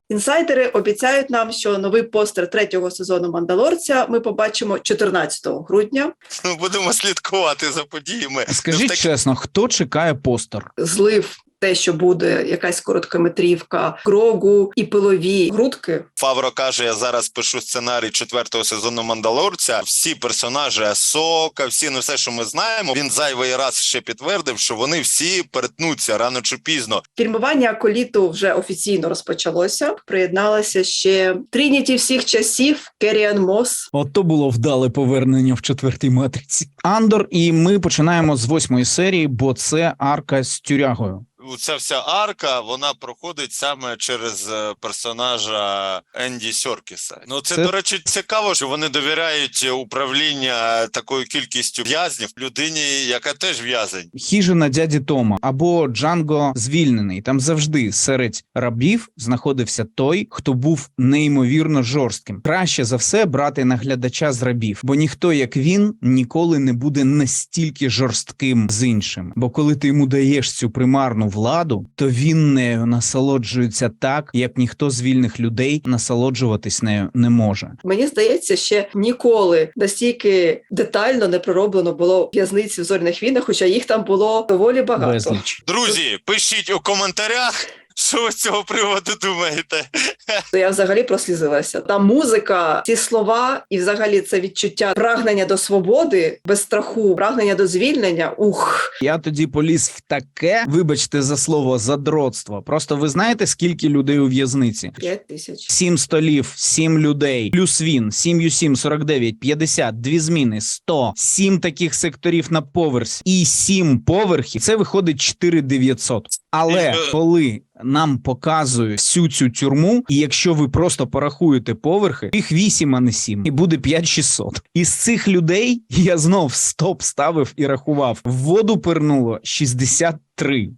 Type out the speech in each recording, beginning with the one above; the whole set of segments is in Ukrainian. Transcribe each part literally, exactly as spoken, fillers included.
Інсайдери обіцяють нам, що новий постер третього сезону «Мандалорця» ми побачимо чотирнадцятого грудня. Ну, будемо слідкувати за подіями. Скажіть так... чесно, хто чекає постер? Злив те, що буде якась короткометрівка, Грогу і пилові грудки. Фавро каже, я зараз пишу сценарій четвертого сезону «Мандалорця». Всі персонажі Асока, всі, ну все, що ми знаємо, він зайвий раз ще підтвердив, що вони всі перетнуться рано чи пізно. Фільмування «Аколіту» вже офіційно розпочалося. Приєдналася ще Трініті всіх часів, Керріан Мос. Ото було вдале повернення в четвертій матриці. Андор, і ми починаємо з восьмої серії, бо це арка з тюрягою. Ця вся арка, вона проходить саме через персонажа Енді Серкіса. Ну, це, це, до речі, цікаво, що вони довіряють управління такою кількістю в'язнів людині, яка теж в'язень. Хижина дяді Тома або Джанго звільнений. Там завжди серед рабів знаходився той, хто був неймовірно жорстким. Краще за все брати наглядача з рабів, бо ніхто, як він, ніколи не буде настільки жорстким з іншим. Бо коли ти йому даєш цю примарну владу, то він нею насолоджується так, як ніхто з вільних людей насолоджуватись нею не може. Мені здається, ще ніколи настільки детально не пророблено було в'язниці в «Зоряних війнах», хоча їх там було доволі багато. Безліч. Друзі, пишіть у коментарях, що ви з цього приводу думаєте? То я взагалі прослізилася. Там музика, ці слова і взагалі це відчуття прагнення до свободи, без страху, прагнення до звільнення. Ух! Я тоді поліз в таке, вибачте за слово, задротство. Просто ви знаєте, скільки людей у в'язниці? П'ять тисяч. Сім столів, сім людей, плюс він, сім ю сім, сорок дев'ять, п'ятдесят, дві зміни, сто, сім таких секторів на поверсі і сім поверхів. Це виходить чотири тисячі дев'ятсот. Але коли нам показують всю цю тюрму, і якщо ви просто порахуєте поверхи, їх вісім, а не сім, і буде п'ять тисяч шістсот. Із цих людей я знов стоп ставив і рахував. В воду пирнуло шістдесят три.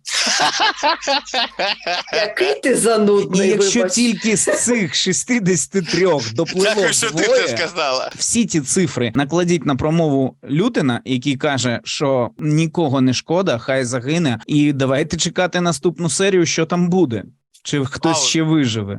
Який ти занудний, І якщо вибач. тільки з цих шістдесят три допливо Дякую, що ти двоє, це сказала. всі ці цифри накладіть на промову Лютена, який каже, що нікого не шкода, хай загине, і давайте чекати наступну серію, що там буде. Чи хтось Вау. ще виживе.